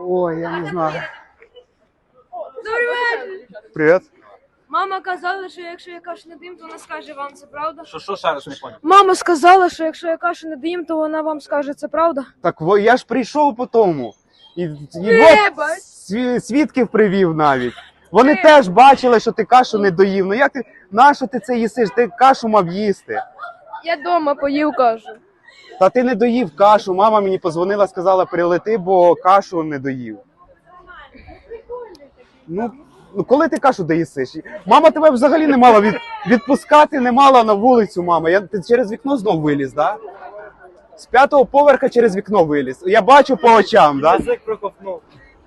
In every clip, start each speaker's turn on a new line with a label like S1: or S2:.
S1: Ой, я не знаю.
S2: Добрий вечір.
S1: Привіт.
S2: Мама казала, що якщо я кашу не дим, то вона скаже вам, це правда?
S3: Що ще раз не поняв?
S2: Мама сказала, що якщо я кашу не дим, то вона вам скаже, це правда?
S1: Так я ж прийшов по тому. І
S2: Вибач.
S1: свідків привів навіть. Вони теж бачили, що ти кашу не доїв. Ну як ти, нащо ти це їсиш? Ти кашу мав їсти.
S2: Я вдома поїв кашу.
S1: Та ти не доїв кашу. Мама мені позвонила, сказала, прилети, бо кашу не доїв. Ну коли ти кашу доїсиш? Мама тебе взагалі не мала відпускати, не мала на вулицю, мама. Ти через вікно знов виліз, так? Да? З 5-го поверха через вікно виліз. Я бачу по очам, так? Да?
S3: Язик проковтнув.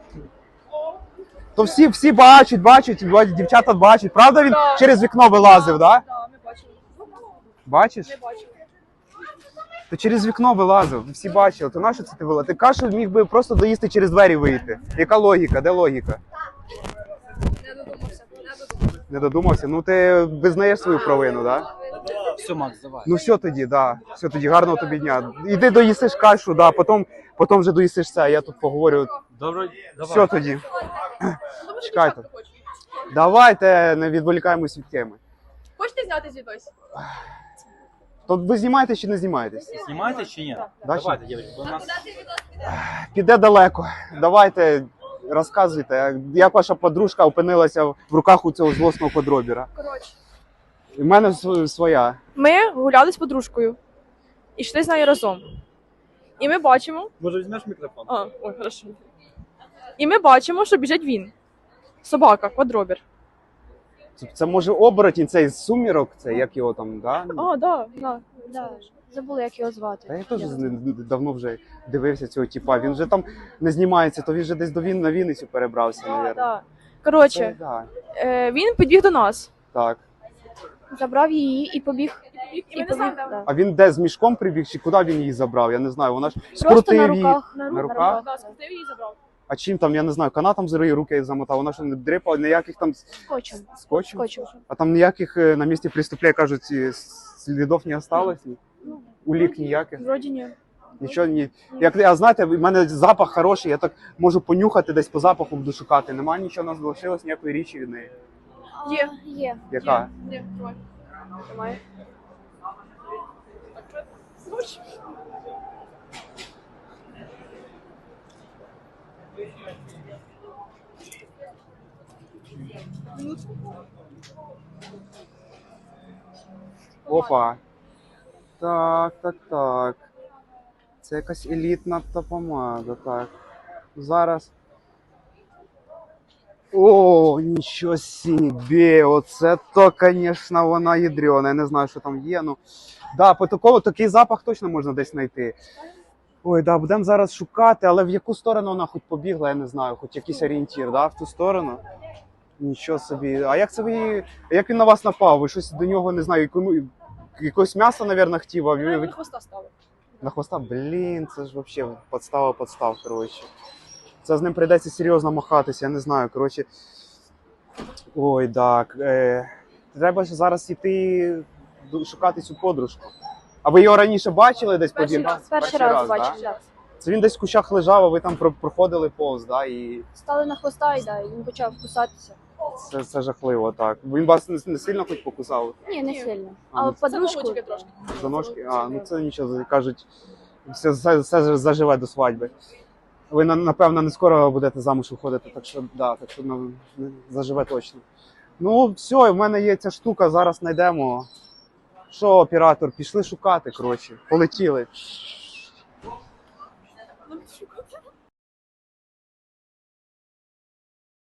S1: То всі бачать, дівчата бачать. Правда він через вікно вилазив, так? Да?
S2: Так, ми бачили.
S1: Бачиш?
S2: Не бачили.
S1: То через вікно вилазив, всі бачили. То нащо це ти вилазив? Ти кашу міг би просто доїсти через двері вийти. Яка логіка? Де логіка?
S2: Не додумався.
S1: Не додумався? Ну ти визнаєш свою провину, так? Да?
S3: Все, Макс, давай.
S1: Ну все тоді, да. Все тоді, гарного тобі дня. Іди доїсиш кашу, да, потім вже доїсиш це, а я тут поговорю.
S3: Добре, давай.
S1: Все тоді. Чекайте. Давайте не відволікаємось від теми.
S2: Хочете зняти звідось?
S1: То ви знімаєтесь чи не знімаєтесь?
S3: Знімаєте чи ні?
S1: Да,
S3: Давайте, дівчатки, бо у нас...
S1: Піде далеко. Давайте, розказуйте, як ваша подружка опинилася в руках у цього злосного подробіра?
S2: Коротше.
S1: У мене своя.
S4: Ми гуляли з подружкою і йшли з нею разом. І ми бачимо.
S3: Може візьмеш мікрофон?
S4: Ой, хорошо. І ми бачимо, що біжить він. Собака, квадробір.
S1: Це може оборотень, цей з сумірок, це як його там, да?
S4: Да.
S5: Да. Забула, як його звати.
S1: Та я теж давно вже дивився цього типа. Він вже там не знімається, то він вже десь на Вінницю перебрався, мабуть.
S4: Да. Коротше,
S1: Да.
S4: він підбіг до нас.
S1: Так.
S5: Забрав її і побіг.
S4: І ми не знаємо, де.
S5: Да.
S1: А він де з мішком прибіг, чи куди він її забрав? Я не знаю. Вона ж
S5: Просто
S1: скрутив
S5: на
S1: її.
S5: руках.
S1: На руках?
S4: Да, скрутив її і забрав.
S1: А чим там, я не знаю, канатом з руки замотав, вона що не дрипала, ніяких там
S5: Скотчем.
S1: скотчем?
S5: Скотчем.
S1: А там ніяких на місці преступлення, кажуть, слідів не осталось? Улік ніяких?
S4: Вроді ні.
S1: Нічого ні. А знаєте, в мене запах хороший, я так можу понюхати, десь по запаху буду шукати. Немає нічого, у нас залишилось ніякої річі від неї.
S4: Є.
S5: Є.
S1: Яка?
S4: Ні, тримай. Тримай. Так, що?
S1: Опа. Так. Це якась елітна та помада, так. Зараз. О, нічого собі, оце то, звісно, вона ядрена. Я не знаю, що там є, ну. Да, по такий запах точно можна десь знайти. Ой, да, будемо зараз шукати, але в яку сторону вона хоч побігла, я не знаю, хоч якийсь орієнтір, да, в ту сторону. Нічого собі. А як це як він на вас напав? Ви щось до нього, не знаю, якогось м'яса, мабуть, хотів, а
S4: На
S1: ви...
S4: хвоста стали.
S1: На хвоста? Блін, це ж взагалі подстава, коротше. Це з ним прийдеться серйозно махатися, я не знаю, коротше. Ой, так. Треба ж зараз йти шукати цю подружку. А ви його раніше бачили десь?
S4: Перший раз.
S5: Перший раз
S1: да?
S5: бачив. Да?
S1: Це він десь в кущах лежав, а ви там проходили повз, да? І
S5: Стали на хвоста і він почав кусатися.
S1: це жахливо, так. Він вас не сильно хоч покусав?
S5: Ні, не сильно.
S1: А,
S5: А
S1: ну,
S5: подружку
S4: Це трошки.
S1: За ножки? А, ну це нічого, кажуть, все заживе до свадьби. Ви, напевно, не скоро будете замуж виходити, так що, да, заживе точно. Ну, все, в мене є ця штука, зараз знайдемо. Що, оператор, пішли шукати, коротше, полетіли.